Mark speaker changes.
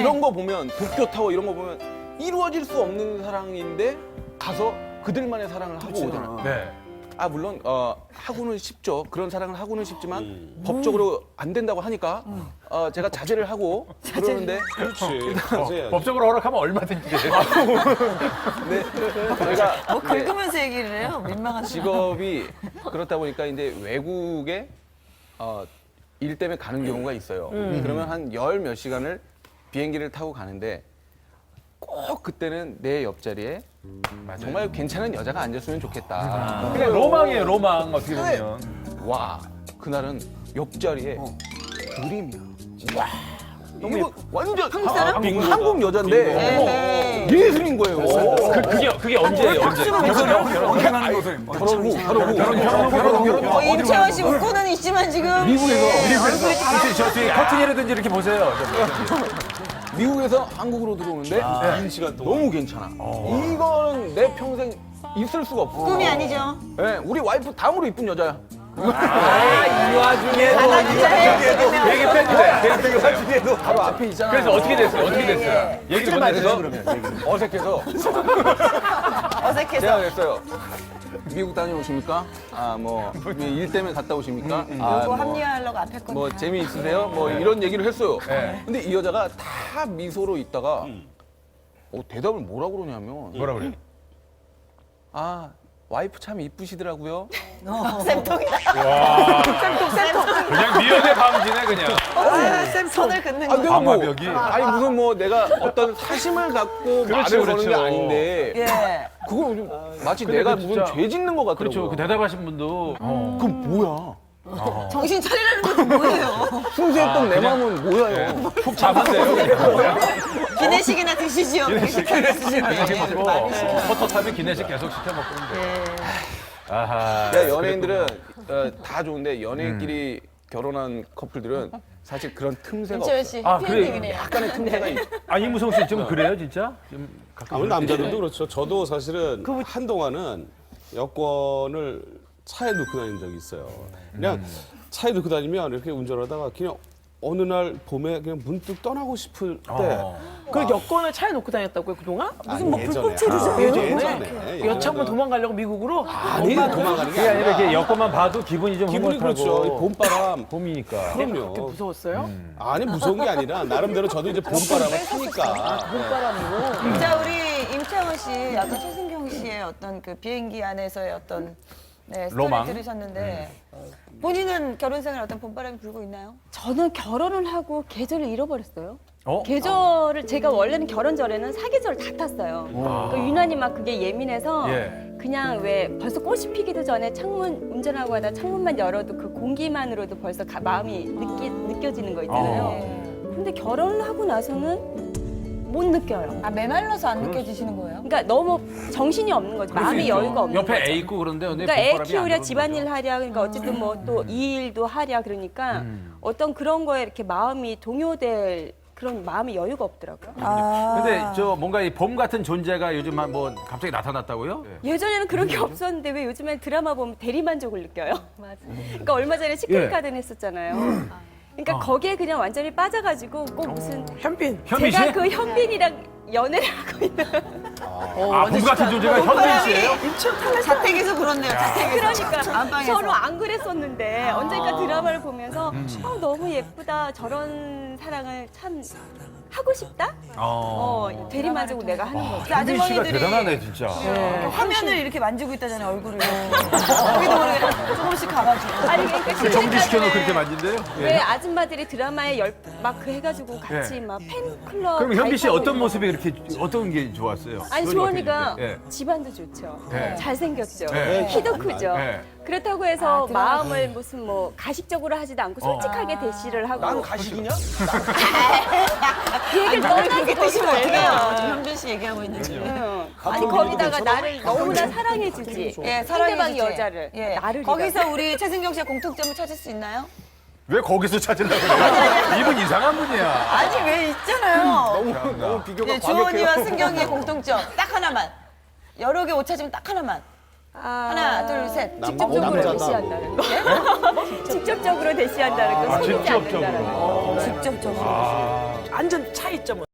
Speaker 1: 이런 거 보면 도쿄 타워 이런 거 보면 이루어질 수 없는 사랑인데 가서 그들만의 사랑을 하고 오잖아.
Speaker 2: 네.
Speaker 1: 아 물론 하고는 쉽죠. 그런 사랑을 하고는 쉽지만 법적으로 안 된다고 하니까 제가 자제를 하고 그러는데
Speaker 3: 그렇지. 자제해야지.
Speaker 2: 법적으로 허락하면 얼마든지 돼요.
Speaker 1: 네, 저희가
Speaker 4: 뭐 긁으면서 얘기를 해요. 민망한
Speaker 1: 직업이 그렇다 보니까 이제 외국에 일 때문에 가는 경우가 있어요. 그러면 한 열 몇 시간을 비행기를 타고 가는데 꼭 그때는 내 옆자리에 정말 괜찮은 여자가 앉았으면 좋겠다.
Speaker 2: 그냥 로망이에요, 로망 어떻게 보면.
Speaker 1: 와, 그날은 옆자리에 그림이야. 와, 너무 완전 한국 여자인데 예술인 거예요.
Speaker 2: 그게 언제예요, 언제?
Speaker 5: 결혼하는 것을
Speaker 4: 거. 임채원 씨 웃고는 있지만 지금
Speaker 2: 미국에서 저 뒤에 커튼이라든지 이렇게 보세요.
Speaker 1: 미국에서 한국으로 들어오는데
Speaker 3: 긴 시간 동안.
Speaker 1: 너무 괜찮아. 이거는 내 평생 있을 수가 없어.
Speaker 4: 꿈이 아니죠.
Speaker 1: 네, 우리 와이프 다음으로 이쁜 여자야.
Speaker 2: 이 와중에
Speaker 4: 나 진짜 해요.
Speaker 2: 되게 팬이네.
Speaker 1: 중에도 바로 앞에 있잖아.
Speaker 2: 그래서 어떻게 됐어요? 어떻게 됐어요? 얘기를 못 해서?
Speaker 1: 어색해서
Speaker 4: 어색해서.
Speaker 1: 제가 그랬어요. 미국 다녀오십니까? 뭐 일 때문에 갔다 오십니까?
Speaker 4: 요거 합리화하려고 앞에 건.
Speaker 1: 뭐 재미있으세요? 뭐 이런 얘기를 했어요.
Speaker 2: 네.
Speaker 1: 근데 이 여자가 다 미소로 있다가 대답을 뭐라고 그러냐면
Speaker 2: 뭐라 그래요?
Speaker 1: 와이프 참 이쁘시더라고요.
Speaker 4: 쌤통이다.
Speaker 2: 그냥 미연의 방지네, 그냥.
Speaker 4: 손을 긋는
Speaker 1: 아,
Speaker 4: 거.
Speaker 1: 내가 뭐,
Speaker 2: 방화벽이?
Speaker 1: 아니 무슨 뭐 내가 어떤 사심을 갖고
Speaker 2: 그렇죠,
Speaker 1: 말을 거는 게
Speaker 2: 그렇죠.
Speaker 1: 아닌데
Speaker 4: 예.
Speaker 1: 그거 좀 마치
Speaker 2: 근데
Speaker 1: 내가
Speaker 2: 그
Speaker 1: 무슨
Speaker 2: 진짜-
Speaker 1: 죄 짓는 것 같더라고요.
Speaker 2: 그렇죠. 그 대답하신 분도.
Speaker 1: 그럼 뭐야?
Speaker 4: 정신 차리라는 것도 뭐예요?
Speaker 1: 순수했던 내 마음은 뭐야요?
Speaker 2: 푹 잡았네요.
Speaker 4: 기내식이나 드시지요.
Speaker 2: 기내식 먹고, 포토타임에 기내식 계속 시켜 먹고 있는데. 아하.
Speaker 1: 야, 연예인들은 다 좋은데 연예인끼리 결혼한 커플들은 사실 그런 틈새가
Speaker 4: 임채원
Speaker 1: 없어.
Speaker 4: 씨
Speaker 2: 아, 그래요?
Speaker 4: 해피엔딩이네요.
Speaker 1: 약간의 틈새가 있어.
Speaker 2: 이무성 씨 좀 그래요, 진짜? 좀 가끔.
Speaker 3: 우리 남자들도 그렇죠. 저도 사실은 한동안은 여권을 차에 놓고 다닌 적이 있어요. 그냥 차에 놓고 다니면 이렇게 운전하다가 그냥 어느 날 봄에 그냥 문득 떠나고 싶을 때
Speaker 6: 그 여권을 차에 놓고 다녔다고요, 그동안? 무슨 뭐
Speaker 3: 예전에.
Speaker 6: 불꽃체류죠?
Speaker 3: 예전에.
Speaker 6: 여차하면 도망가려고 미국으로?
Speaker 3: 아니 도망가는 게
Speaker 2: 그게 아니라 이렇게
Speaker 3: 아니라
Speaker 2: 여권만 봐도 기분이 좀
Speaker 3: 기분이
Speaker 2: 흐뭇하고.
Speaker 3: 그렇죠. 이 봄바람.
Speaker 2: 봄이니까.
Speaker 3: 그럼요.
Speaker 6: 무서웠어요?
Speaker 3: 아니 무서운 게 아니라 나름대로 저도 이제 봄바람을 타니까.
Speaker 6: 봄바람으로.
Speaker 4: 자, 우리 임채원 씨, 아까 최승경 씨의 어떤 그 비행기 안에서의 어떤 스토리
Speaker 2: 로망?
Speaker 4: 들으셨는데 본인은 결혼 생활 어떤 봄바람이 불고 있나요?
Speaker 7: 저는 결혼을 하고 계절을 잃어버렸어요.
Speaker 2: 어?
Speaker 7: 계절을 제가 원래는 결혼 전에는 사계절 다 탔어요. 그러니까 유난히 막 그게 예민해서
Speaker 2: 예.
Speaker 7: 그냥 왜 벌써 꽃이 피기도 전에 창문 운전하고 하다 창문만 열어도 그 공기만으로도 벌써 마음이 느껴지는 거 있잖아요. 근데 결혼을 하고 나서는 못 느껴요.
Speaker 4: 아, 메말라서 안 느껴지시는 거예요?
Speaker 7: 그러니까 너무 정신이 없는 거죠. 마음이 여유가 없는
Speaker 2: 옆에
Speaker 7: 거죠.
Speaker 2: 애 있고 그런데 근데
Speaker 7: 그러니까 애
Speaker 2: 봄바람이 안
Speaker 7: 키우랴
Speaker 2: 들어오는
Speaker 7: 집안일
Speaker 2: 거죠.
Speaker 7: 하랴 그러니까 어쨌든 뭐 또 이 일도 하랴 그러니까 어떤 그런 거에 이렇게 마음이 동요될 그런 마음의 여유가 없더라고요.
Speaker 2: 근데 저 뭔가 이 봄 같은 존재가 요즘 뭐 갑자기 나타났다고요?
Speaker 7: 예전에는 그런 게 없었는데 왜 요즘엔 드라마 보면 대리만족을 느껴요? 맞아. 그러니까 얼마 전에 시크릿 가든 했었잖아요. 그러니까 거기에 그냥 완전히 빠져가지고 꼭 무슨
Speaker 6: 현빈.
Speaker 2: 현빈 씨?
Speaker 7: 제가 그 현빈이랑 연애를 하고 있는
Speaker 2: 봄 같은 존재가 현빈 씨예요?
Speaker 4: 자택에서 그렇네요. 자택에서.
Speaker 7: 그러니까
Speaker 4: 안방에서.
Speaker 7: 서로 안 그랬었는데 언젠가 드라마를 보면서 너무 예쁘다 저런 사랑을 참 하고 싶다 대리만족을 내가 하는 거죠.
Speaker 2: 현빈 씨가 대단하네 진짜.
Speaker 4: 화면을 이렇게 만지고 있다잖아요, 얼굴을. 거기도 모르게 조금씩 가가지고.
Speaker 7: 아니 그러니까
Speaker 2: 정지시켜놓고 그렇게 만진대요?
Speaker 7: 왜 아줌마들이 드라마에 막 그 해가지고 같이
Speaker 2: 예.
Speaker 7: 막 팬클럽
Speaker 2: 그럼 현빈 씨
Speaker 7: 가입하고
Speaker 2: 어떤
Speaker 7: 있는
Speaker 2: 모습이 이렇게 어떤 게 좋았어요?
Speaker 7: 아니
Speaker 2: 그건
Speaker 7: 주원이가
Speaker 2: 어떻게 됐는데?
Speaker 7: 집안도 좋죠.
Speaker 2: 예.
Speaker 7: 잘생겼죠.
Speaker 2: 예.
Speaker 7: 키도 크죠.
Speaker 2: 예.
Speaker 7: 그렇다고 해서 마음을 무슨 뭐 가식적으로 하지도 않고 솔직하게 대시를 하고
Speaker 1: 난 가식이냐?
Speaker 7: 그 얘기를 떠나서
Speaker 4: 그렇게
Speaker 7: 거기서
Speaker 4: 뜨시면 어떡해요?
Speaker 7: 왜요?
Speaker 4: 지금 현빈 씨 얘기하고 있는데.
Speaker 7: 아니 거기다가 나를 너무나 사랑해주지.
Speaker 4: 예,
Speaker 7: 상대방
Speaker 4: 사랑해주지.
Speaker 7: 여자를
Speaker 4: 예.
Speaker 7: 나를
Speaker 4: 거기서 우리 최승경 씨의 공통점을 찾을 수 있나요?
Speaker 2: 왜 거기서 찾으려고 그래요? 이분 이상한 분이야.
Speaker 4: 아니, 왜 있잖아요.
Speaker 1: 너무 비교가
Speaker 4: 예, 주원이와
Speaker 1: 과격해요.
Speaker 4: 승경이의 공통점 딱 하나만. 여러 개 옷 찾으면 딱 하나만. 하나, 둘, 셋.
Speaker 7: 직접적으로
Speaker 3: 남자다.
Speaker 7: 대시한다는 거. 직접적으로 대시한다는 거. 속이지
Speaker 2: 직접적으로.
Speaker 7: 않는다는 거.
Speaker 4: 직접적으로.
Speaker 6: 완전 차이점은.